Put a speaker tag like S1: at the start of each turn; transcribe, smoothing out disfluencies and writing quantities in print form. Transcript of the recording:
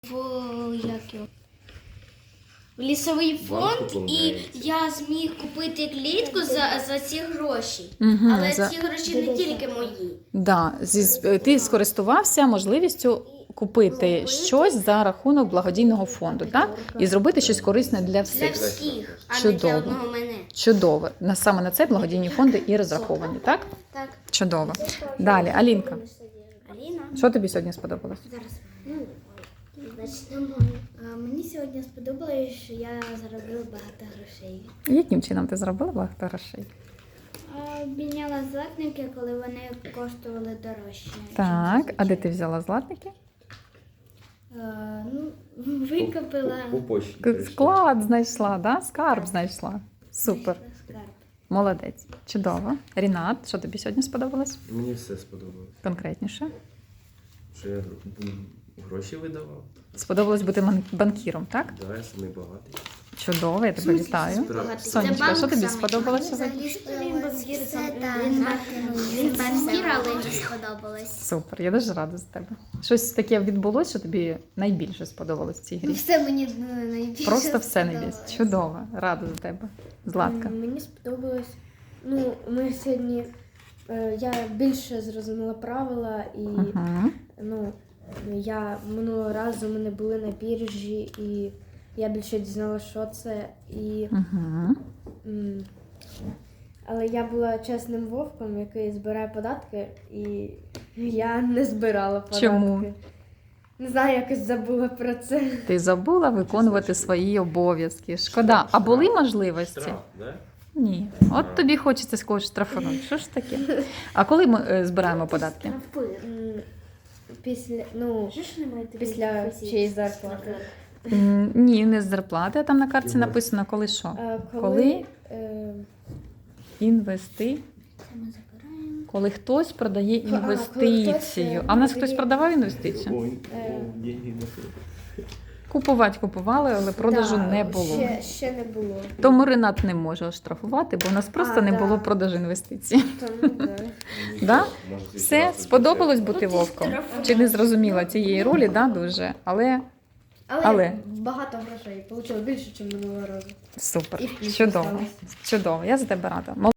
S1: в лісовий фонд, і я зміг купити клітку за ці гроші. Але ці гроші не тільки мої.
S2: Да, ти скористувався можливістю купити щось за рахунок благодійного фонду, так? І зробити щось корисне для
S1: Для
S2: всіх.
S1: всіх, а не
S2: Чудово.
S1: для одного мене.
S2: Чудово. Саме на це благодійні фонди і розраховані, так?
S1: Так.
S2: Чудово. Далі, Алінка,
S1: Аліна?
S2: що тобі сьогодні сподобалось?
S1: Зараз.
S3: Мені сьогодні сподобалось, що я заробила багато грошей.
S2: Яким чином ти зробила багато грошей?
S3: Обміняла златники, коли вони коштували дорожче.
S2: Так, а де ти взяла златники?
S3: Викупила
S2: Склад знайшла, да? Скарб знайшла. Супер.
S3: скарб.
S2: Молодець. Чудово. Рінат, що тобі сьогодні сподобалось?
S4: Мені все сподобалось.
S2: Конкретніше.
S4: Що я гроші видавав.
S2: Сподобалось бути банкіром, так?
S4: Да, я самий багатий.
S2: Чудово, я тебе вітаю. Сонечка, що тобі сподобалось сьогодні?
S3: Він банкір, але не сподобалось.
S2: Супер, я дуже рада за тебе. Щось таке відбулося, що тобі найбільше сподобалось в цій грі?
S3: Все мені найбільше
S2: Просто все найбільше. Чудово, рада за тебе. Златка.
S5: Мені сподобалось. Ми сьогодні я більше зрозуміла правила, і я минулого разу ми не були на біржі, і я більше дізналася, що це. Але я була чесним вовком, який збирає податки, і я не збирала податки.
S2: Чому?
S5: Не знаю, якось забула про це.
S2: Ти забула виконувати свої обов'язки. Шкода. А були можливості?
S4: Штраф, да?
S2: Ні. От тобі хочеться когось штрафувати. Що ж таке? А коли ми збираємо податки?
S5: Після чиєїсь зарплати.
S2: Ні, не з зарплати, а там на картці написано, коли що. Коли коли хтось продає інвестицію. А в нас хтось продавав інвестицію?
S4: Ой, деньги не
S2: Купували, але продажу не було.
S5: Ще не було.
S2: Тому Ренат не може оштрафувати, бо у нас просто не було продажу інвестицій.
S5: Тому, да.
S2: Да? Все, сподобалось бути вовком? Чи не зрозуміла цієї ролі, да, дуже? Але
S5: багато грошей. Отримала більше, ніж минулого разу.
S2: супер,
S5: І в плюс
S2: чудово,
S5: осталось.
S2: чудово, я за тебе рада.